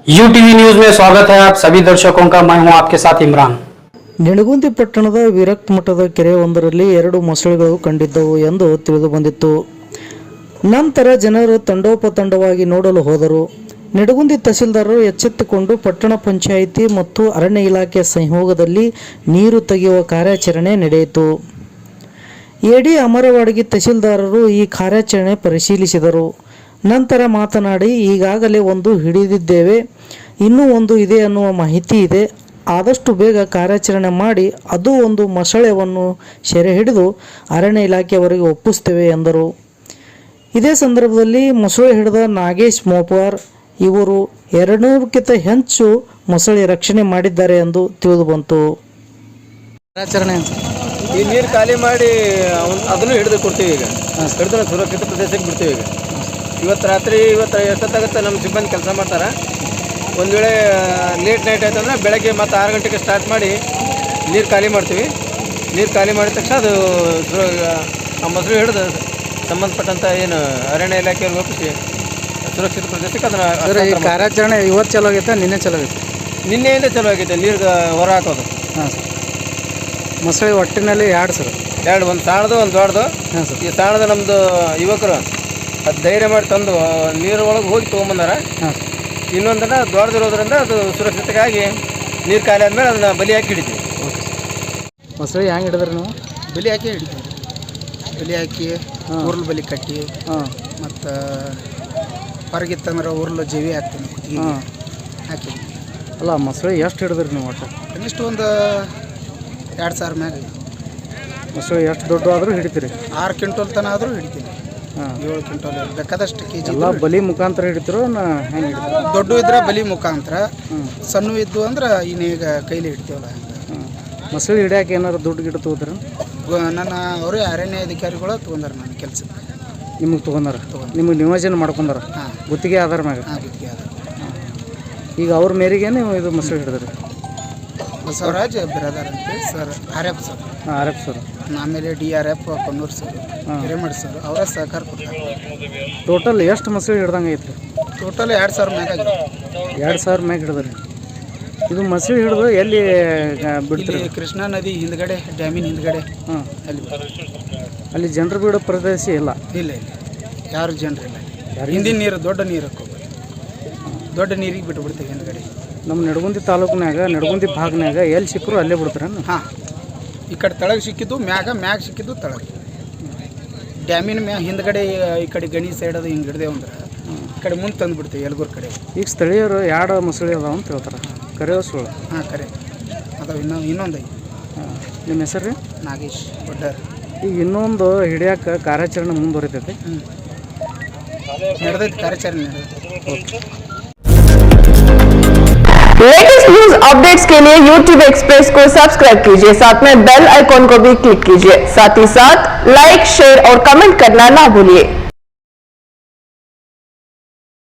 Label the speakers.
Speaker 1: UTV news में स्वागत है आप सभी दर्शकों का। मैं हूं आपके साथ इमरान।
Speaker 2: ನಿಡಗುಂದಿ ಪಟ್ಟಣದ ವಿರಕ್ತ ಮಠದ ಕೆರೆಯೊಂದರಲ್ಲಿ 2 ಮೊಸಳೆಗಳು ಕಂಡಿದ್ದವು ಎಂದು ತಿಳಿದುಬಂದಿತ್ತು. ನಂತರ ಜನರು ತಂಡೋಪತಂಡವಾಗಿ ನೋಡಲು ಹೋದರು. ನಿಡಗುಂದಿ ತಹಸೀಲ್ದಾರರು ಎಚ್ಚೆತ್ತುಕೊಂಡು ಪಟ್ಟಣ ಪಂಚಾಯಿತಿ ಮತ್ತು ಅರಣ್ಯ ಇಲಾಖೆ ಸಹಯೋಗದಲ್ಲಿ ನೀರು ತೆಗೆಯುವ ಕಾರ್ಯಾಚರಣೆ ನಡೆಯಿತು. ಎಡಿ ಅಮರವಾಡಗಿ ತಹಸೀಲ್ದಾರರು ಈ ಕಾರ್ಯಾಚರಣೆ ಪರಿಶೀಲಿಸಿದರು. ನಂತರ ಮಾತನಾಡಿ, ಈಗಾಗಲೇ ಒಂದು ಹಿಡಿದಿದ್ದೇವೆ, ಇನ್ನೂ ಒಂದು ಇದೆ ಅನ್ನುವ ಮಾಹಿತಿ ಇದೆ. ಆದಷ್ಟು ಬೇಗ ಕಾರ್ಯಾಚರಣೆ ಮಾಡಿ ಅದು ಒಂದು ಮೊಸಳೆಯನ್ನು ಸೆರೆ ಹಿಡಿದು ಅರಣ್ಯ ಇಲಾಖೆಯವರಿಗೆ ಒಪ್ಪಿಸ್ತೇವೆ ಎಂದರು. ಇದೇ ಸಂದರ್ಭದಲ್ಲಿ ಮೊಸಳೆ ಹಿಡಿದ ನಾಗೇಶ್ ಮೋಪಾರ್ ಇವರು 200ಕ್ಕಿಂತ ಹೆಚ್ಚು ಮೊಸಳೆ ರಕ್ಷಣೆ ಮಾಡಿದ್ದಾರೆ ಎಂದು ತಿಳಿದು ಬಂತು. ಕಾರ್ಯಾಚರಣೆ
Speaker 3: ಈ ನೀರು ಖಾಲಿ ಮಾಡಿ ಅದನ್ನು ಹಿಡಿದು ಕೊಡ್ತೀವಿ. ಈಗ ಹಿಡಿದು ಸುರಕ್ಷಿತ ಪ್ರದೇಶಕ್ಕೆ ಬಿಡ್ತೀವಿ. ಇವತ್ತು ರಾತ್ರಿ ಎಷ್ಟೊತ್ತಾಗುತ್ತೆ ನಮ್ಮ ಸಿಬ್ಬಂದಿ ಕೆಲಸ ಮಾಡ್ತಾರೆ. ಒಂದು ವೇಳೆ ಲೇಟ್ ನೈಟ್ ಆಯ್ತು ಅಂದರೆ ಬೆಳಗ್ಗೆ ಮತ್ತು 6 ಗಂಟೆಗೆ ಸ್ಟಾರ್ಟ್ ಮಾಡಿ ನೀರು ಖಾಲಿ ಮಾಡ್ತೀವಿ. ನೀರು ಖಾಲಿ ಮಾಡಿದ ತಕ್ಷಣ ಅದು ಆ ಮೊಸರು ಹಿಡಿದು ಸಂಬಂಧಪಟ್ಟಂಥ ಏನು ಅರಣ್ಯ ಇಲಾಖೆಯಲ್ಲಿ ಒಪ್ಪಿಸಿ ಸುರಕ್ಷಿತ ಪ್ರದೇಶಕ್ಕೆ ಅದನ್ನು
Speaker 2: ಕಾರ್ಯಾಚರಣೆ ಇವತ್ತು ಚಲೋ ಆಗೈತೆ, ನಿನ್ನೆ ಚಲೋ ಆಗೈತೆ?
Speaker 3: ನಿನ್ನೆಯಿಂದ ಚಲೋ ಆಗೈತೆ ನೀರು ಹೊರ ಹಾಕೋದು.
Speaker 2: ಹಾಂ ಸರ್. ಮೊಸಳೆ ಒಟ್ಟಿನಲ್ಲಿ 2 ಸರ್,
Speaker 3: 2, ಒಂದು ಸಾಣದು ಒಂದು ದೊಡ್ಡದು.
Speaker 2: ಹಾಂ ಸರ್.
Speaker 3: ಈ ಸಾಣದ ನಮ್ಮದು ಯುವಕರು ಅದು ಧೈರ್ಯ ಮಾಡಿ ತಂದು ನೀರು ಒಳಗೆ ಹೋಗಿ ತೊಗೊಂಬಂದಾರ.
Speaker 2: ಹಾಂ ಸರ್.
Speaker 3: ಇನ್ನೊಂದನ್ನು ದೊಡ್ಡದಿರೋದ್ರಿಂದ ಅದು ಸುರಕ್ಷಿತವಾಗಿ ನೀರು ಖಾಲಿ ಆದಮೇಲೆ ಅದನ್ನು ಬಲಿ ಹಾಕಿ ಹಿಡಿತೀವಿ.
Speaker 2: ಮೊಸಳೆ ಹೆಂಗೆ ಹಿಡಿದ್ರಿ ನೀವು?
Speaker 4: ಬಲಿ ಹಾಕಿ ಹಿಡಿತೀವಿ. ಬಲಿ ಹಾಕಿ ಉರುಳು ಬಲಿ ಕಟ್ಟಿ ಮತ್ತು ಹೊರಗಿತ್ತಂದ್ರೆ ಉರುಳು ಜೀವಿ ಹಾಕ್ತೀನಿ ಹಾಕಿ.
Speaker 2: ಅಲ್ಲ, ಮೊಸಳೆ ಎಷ್ಟು ಹಿಡಿದ್ರಿ ನೀವು? ಒಟ್ಟು
Speaker 4: ಕನಿಷ್ಠ ಒಂದು 2,000 ಮ್ಯಾಗ.
Speaker 2: ಮೊಸಳೆ ಎಷ್ಟು ದೊಡ್ಡ ಆದರೂ ಹಿಡಿತೀರಿ?
Speaker 4: 6 ಕ್ವಿಂಟಲ್ ತನಕ ಆದರೂ ಹಿಡಿತೀನಿ. 7 ಕ್ವಿಂಟಲ್ ಬೇಕಾದಷ್ಟು ಕೆಜಿ.
Speaker 2: ಎಲ್ಲ ಬಲಿ ಮುಖಾಂತರ ಹಿಡಿತಿರೋ ಹೆಂಗೆ ಹಿಡಿತೀರಿ?
Speaker 4: ದೊಡ್ಡ ಇದ್ರೆ ಬಲಿ ಮುಖಾಂತರ, ಸಣ್ಣ ಇದ್ದು ಅಂದ್ರೆ ಇನ್ನೀಗ ಕೈಲಿ ಹಿಡ್ತೀವಲ್ಲ.
Speaker 2: ಮೊಸಳೆ ಹಿಡಿಯೋಕೆ ಏನಾರು ದುಡ್ಡು ಗಿಡ ತೊಗೋತಾರೆ?
Speaker 4: ನನ್ನ ಅವರೇ ಅರಣ್ಯ ಅಧಿಕಾರಿಗಳು ತೊಗೊಂಡಾರ ನನ್ನ ಕೆಲಸಕ್ಕೆ.
Speaker 2: ನಿಮಗೆ ತೊಗೊಂಡಾರ? ನಿಮಗೆ ನಿಯೋಜನೆ ಮಾಡ್ಕೊಂಡಾರ? ಗುತ್ತಿಗೆ ಆಧಾರ ಮ್ಯಾಗ?
Speaker 4: ಗುತ್ತಿಗೆ ಆಧಾರ.
Speaker 2: ಈಗ ಅವ್ರ ಮೇರೆಗೆ ನೀವು ಇದು ಮೊಸಳೆ ಹಿಡಿದ್ರಿ?
Speaker 4: ಬಸವರಾಜ್ ಬಿರಾದಾರ್ ಅಂತೇಳಿ sir, RF sir.
Speaker 2: RF sir.
Speaker 4: ಆಮೇಲೆ DRF Konnur sir, Hiremath sir, ಅವರ ಸಹಕಾರ ಕೊಡ್ತಾರೆ.
Speaker 2: ಟೋಟಲ್ ಎಷ್ಟು ಮೊಸಳೆ ಹಿಡ್ದಂಗೆ ಐತ್ರಿ?
Speaker 4: ಟೋಟಲ್ 2,000 ಮ್ಯಾಗ ಆಗಿದೆ.
Speaker 2: 2,000 ಮ್ಯಾಗ ಹಿಡಿದ್ರಿ. ಇದು ಮೊಸಳೆ ಹಿಡಿದು ಎಲ್ಲಿ ಬಿಡ್ತೀರಿ?
Speaker 4: ಕೃಷ್ಣಾ ನದಿ ಹಿಂದ್ಗಡೆ, ಡ್ಯಾಮಿನ ಹಿಂದ್ಗಡೆ.
Speaker 2: ಅಲ್ಲಿ ಜನರು ಬಿಡೋ ಪ್ರದೇಶ ಇಲ್ಲ?
Speaker 4: ಇಲ್ಲ, ಯಾರು ಜನರು ಇಲ್ಲ. ಹಿಂದಿನ ನೀರು ದೊಡ್ಡ ನೀರಕ್ಕೆ ಹೋಗ್ಬೋದು, ದೊಡ್ಡ ನೀರಿಗೆ ಬಿಟ್ಬಿಡ್ತೀವಿ ಹಿಂದ್ಗಡೆ.
Speaker 2: ನಮ್ಮ ನಿಡಗುಂದಿ ತಾಲೂಕಿನಾಗ ನಿಡಗುಂದಿ ಭಾಗನಾಗ ಎಲ್ಲಿ ಸಿಕ್ಕರು ಅಲ್ಲೇ ಬಿಡ್ತಾರೇನು?
Speaker 4: ಹಾಂ, ಈ ಕಡೆ ತಳಗೆ ಸಿಕ್ಕಿದ್ದು ಮ್ಯಾಗ ಸಿಕ್ಕಿದ್ದು ತಳಗೆ. ಡ್ಯಾಮಿನ ಹಿಂದ್ಗಡೆ ಈ ಕಡೆ ಗಣಿ ಸೈಡ್ ಅದು ಹಿಂಗೆ ಹಿಡ್ದೇವು ಅಂದ್ರೆ ಈ ಕಡೆ ಮುಂದೆ ತಂದು ಬಿಡ್ತೀವಿ ಯಲಗೂರು ಕಡೆ.
Speaker 2: ಈಗ ಸ್ಥಳೀಯರು 2 ಮೊಸಳೆ ಅದಾವ ಅಂತ ಹೇಳ್ತಾರೆ, ಕರೆ ಸುಳ್ಳು?
Speaker 4: ಹಾಂ, ಕರೆ ಅದಾವ. ಇನ್ನೊಂದು ಐತಿ.
Speaker 2: ನಿಮ್ಮ ಹೆಸರು ರೀ?
Speaker 4: ನಾಗೇಶ್ ಒಡ್ಡರ್.
Speaker 2: ಈಗ ಇನ್ನೊಂದು ಹಿಡಿಯೋಕೆ ಕಾರ್ಯಾಚರಣೆ ಮುಂದುವರಿತೈತಿ?
Speaker 4: ನಡೆದೈತಿ ಕಾರ್ಯಾಚರಣೆ ನಡೆದೈತಿ.
Speaker 2: ಓಕೆ.
Speaker 5: लेटेस्ट न्यूज अपडेट्स के लिए YouTube एक्सप्रेस को सब्सक्राइब कीजिए, साथ में बेल आइकॉन को भी क्लिक कीजिए। साथ ही साथ लाइक, शेयर और कमेंट करना ना भूलिए।